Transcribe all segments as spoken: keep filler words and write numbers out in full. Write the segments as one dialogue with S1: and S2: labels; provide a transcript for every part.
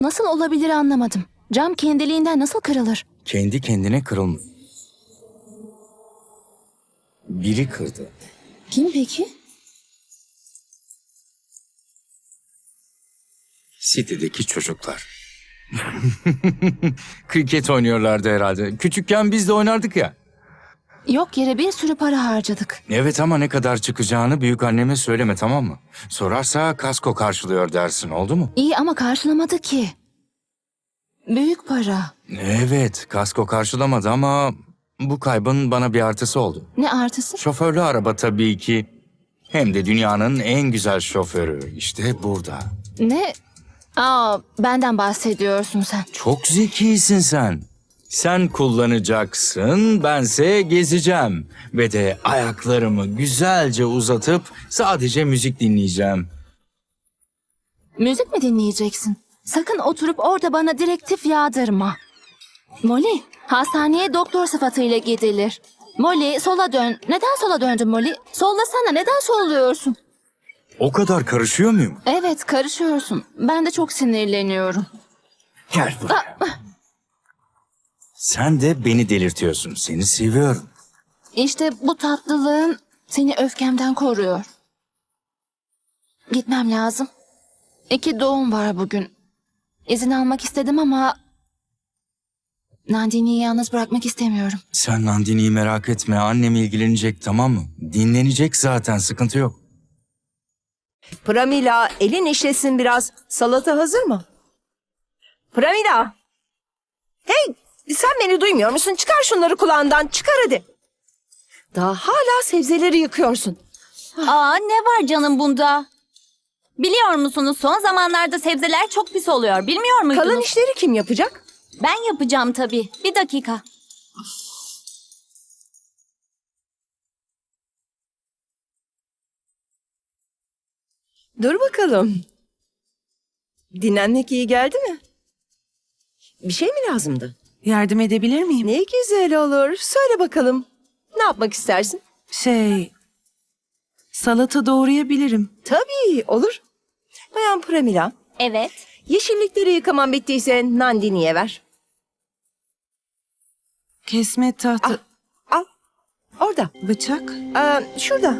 S1: Nasıl olabilir anlamadım. Cam kendiliğinden nasıl kırılır?
S2: Kendi kendine kırılma. Biri kırdı.
S1: Kim peki?
S2: City'deki çocuklar. Kriket oynuyorlardı herhalde. Küçükken biz de oynardık ya.
S1: Yok yere bir sürü para harcadık.
S2: Evet ama ne kadar çıkacağını büyük anneme söyleme, tamam mı? Sorarsa kasko karşılıyor dersin, oldu mu?
S1: İyi ama karşılamadı ki. Büyük para.
S2: Evet, kasko karşılamadı ama bu kaybın bana bir artısı oldu.
S1: Ne artısı?
S2: Şoförlü araba tabii ki. Hem de dünyanın en güzel şoförü. İşte burada.
S1: Ne? Aa, benden bahsediyorsun sen.
S2: Çok zekisin sen. Sen kullanacaksın, bense gezeceğim. Ve de ayaklarımı güzelce uzatıp sadece müzik dinleyeceğim.
S1: Müzik mi dinleyeceksin? Sakın oturup orada bana direktif yağdırma. Molly, hastaneye doktor sıfatıyla gidilir. Molly, sola dön. Neden sola döndün Molly? Sollasana, neden solluyorsun?
S2: O kadar karışıyor muyum?
S1: Evet, karışıyorsun. Ben de çok sinirleniyorum.
S2: Gel buraya. Sen de beni delirtiyorsun. Seni seviyorum.
S1: İşte bu tatlılığın seni öfkemden koruyor. Gitmem lazım. İki doğum var bugün. İzin almak istedim ama Nandini'yi yalnız bırakmak istemiyorum.
S2: Sen Nandini'yi merak etme. Annem ilgilenecek, tamam mı? Dinlenecek zaten, sıkıntı yok.
S3: Pramila, elin işlesin biraz. Salata hazır mı? Pramila! Hey, sen beni duymuyor musun? Çıkar şunları kulağından, çıkar hadi. Daha hala sebzeleri yıkıyorsun.
S4: Aa, ne var canım bunda? Biliyor musunuz son zamanlarda sebzeler çok pis oluyor. Bilmiyor muydunuz?
S3: Kalan işleri kim yapacak?
S4: Ben yapacağım tabii. Bir dakika.
S3: Dur bakalım. Dinlenmek iyi geldi mi? Bir şey mi lazımdı?
S5: Yardım edebilir miyim?
S3: Ne güzel olur. Söyle bakalım. Ne yapmak istersin?
S5: Şey, salata doğrayabilirim.
S3: Tabii, olur. Bayan Pramila,
S4: Evet.
S3: yeşillikleri yıkaman bittiyse Nandini'ye ver.
S5: Kesme tahta,
S3: Al, orada.
S5: bıçak.
S3: Aa, şurada.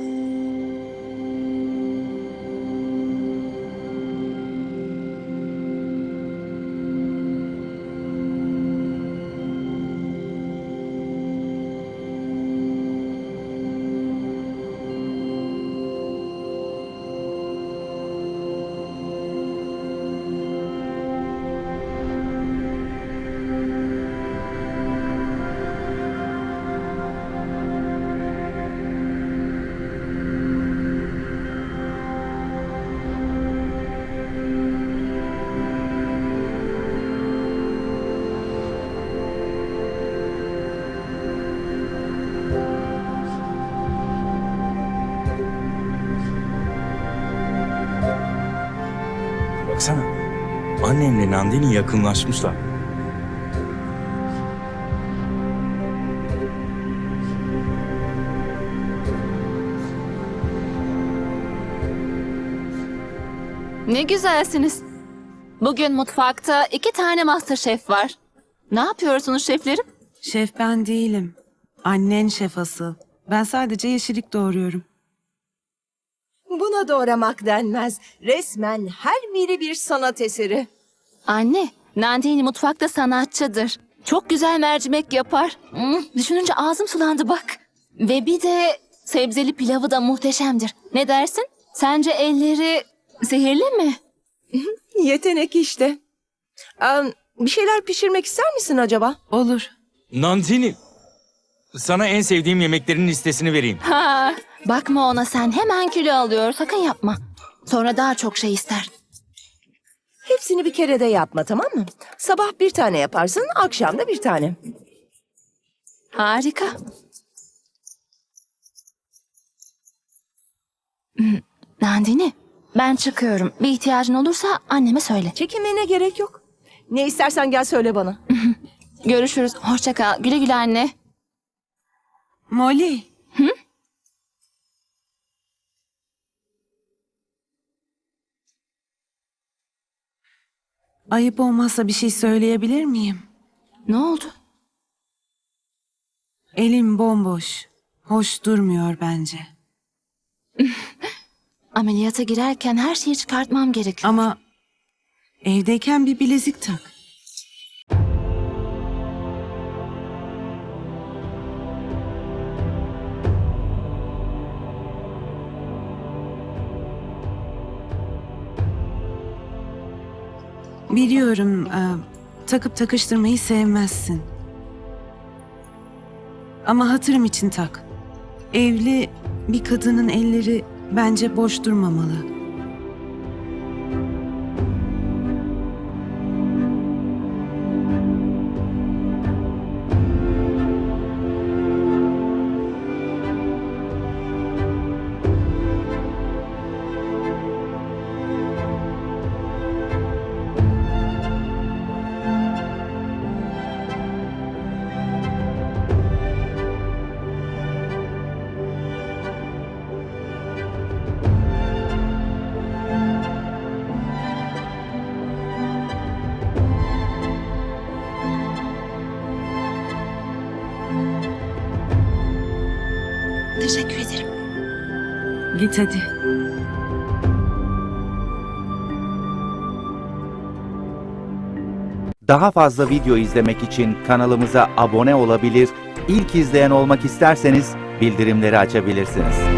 S2: Baksana. Annemle Nandini yakınlaşmışlar.
S1: Ne güzelsiniz. Bugün mutfakta iki tane MasterChef var. Ne yapıyorsunuz şeflerim?
S5: Şef ben değilim. Annen şef asıl. Ben sadece yeşillik doğruyorum.
S3: Buna doğramak denmez. Resmen her biri bir sanat eseri.
S1: Anne, Nandini mutfakta sanatçıdır. Çok güzel mercimek yapar. Hmm, düşününce ağzım sulandı bak. Ve bir de sebzeli pilavı da muhteşemdir. Ne dersin? Sence elleri sihirli mi?
S3: Yetenek işte. Aa, bir şeyler pişirmek ister misin acaba?
S5: Olur.
S2: Nandini, sana en sevdiğim yemeklerin listesini vereyim.
S1: Ha, bakma ona sen hemen kilo alıyor. Sakın yapma. Sonra daha çok şey ister.
S3: Hepsini bir kerede yapma, tamam mı? Sabah bir tane yaparsın, akşam da bir tane.
S1: Harika. Hmm, Nandini, ben çıkıyorum. Bir ihtiyacın olursa anneme söyle.
S3: Çekinmene gerek yok. Ne istersen gel söyle bana.
S1: Görüşürüz. Hoşça kal. Güle güle anne.
S5: Molly. ayıp olmazsa bir şey söyleyebilir miyim?
S1: Ne oldu?
S5: Elim bomboş. Hoş durmuyor bence.
S1: Ameliyata girerken her şeyi çıkartmam gerekiyor.
S5: Ama evdeyken bir bilezik tak. Biliyorum, e, takıp takıştırmayı sevmezsin. Ama hatırım için tak. Evli bir kadının elleri bence boş durmamalı.
S1: Teşekkür ederim.
S5: Git hadi.
S6: Daha fazla video izlemek için kanalımıza abone olabilir, ilk izleyen olmak isterseniz bildirimleri açabilirsiniz.